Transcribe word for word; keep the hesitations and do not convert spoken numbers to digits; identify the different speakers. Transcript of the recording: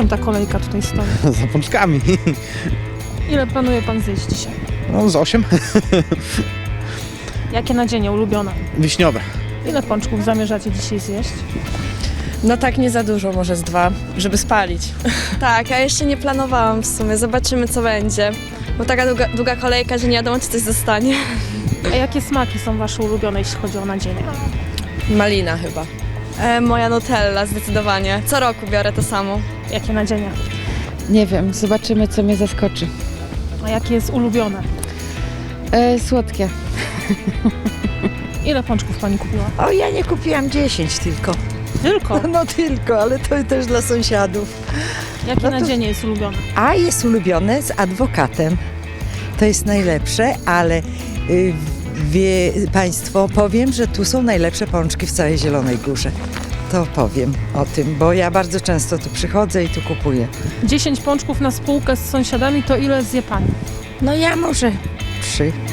Speaker 1: ta kolejka tutaj stoi?
Speaker 2: Za pączkami.
Speaker 1: Ile planuje pan zjeść dzisiaj?
Speaker 2: No z osiem.
Speaker 1: Jakie nadzienie ulubione?
Speaker 2: Wiśniowe.
Speaker 1: Ile pączków zamierzacie dzisiaj zjeść?
Speaker 3: No tak nie za dużo, może z dwa, żeby spalić.
Speaker 4: Tak, a jeszcze nie planowałam w sumie. Zobaczymy, co będzie. Bo taka długa, długa kolejka, że nie wiadomo, czy coś zostanie.
Speaker 1: A jakie smaki są wasze ulubione, jeśli chodzi o nadzienie?
Speaker 3: Malina chyba.
Speaker 4: E, moja Nutella zdecydowanie. Co roku biorę to samo.
Speaker 1: Jakie nadzienie?
Speaker 5: Nie wiem, zobaczymy, co mnie zaskoczy.
Speaker 1: A jakie jest ulubione?
Speaker 5: E, słodkie.
Speaker 1: Ile pączków pani kupiła?
Speaker 6: O, ja nie kupiłam dziesięć tylko.
Speaker 1: Tylko?
Speaker 6: No tylko, ale to też dla sąsiadów.
Speaker 1: Jakie
Speaker 6: No to-
Speaker 1: nadzienie jest ulubione?
Speaker 6: A jest ulubione z adwokatem. To jest najlepsze, ale y, wie Państwo, powiem, że tu są najlepsze pączki w całej Zielonej Górze. To powiem o tym, bo ja bardzo często tu przychodzę i tu kupuję.
Speaker 1: dziesięć pączków na spółkę z sąsiadami, to ile zje pani?
Speaker 6: No ja może trzy.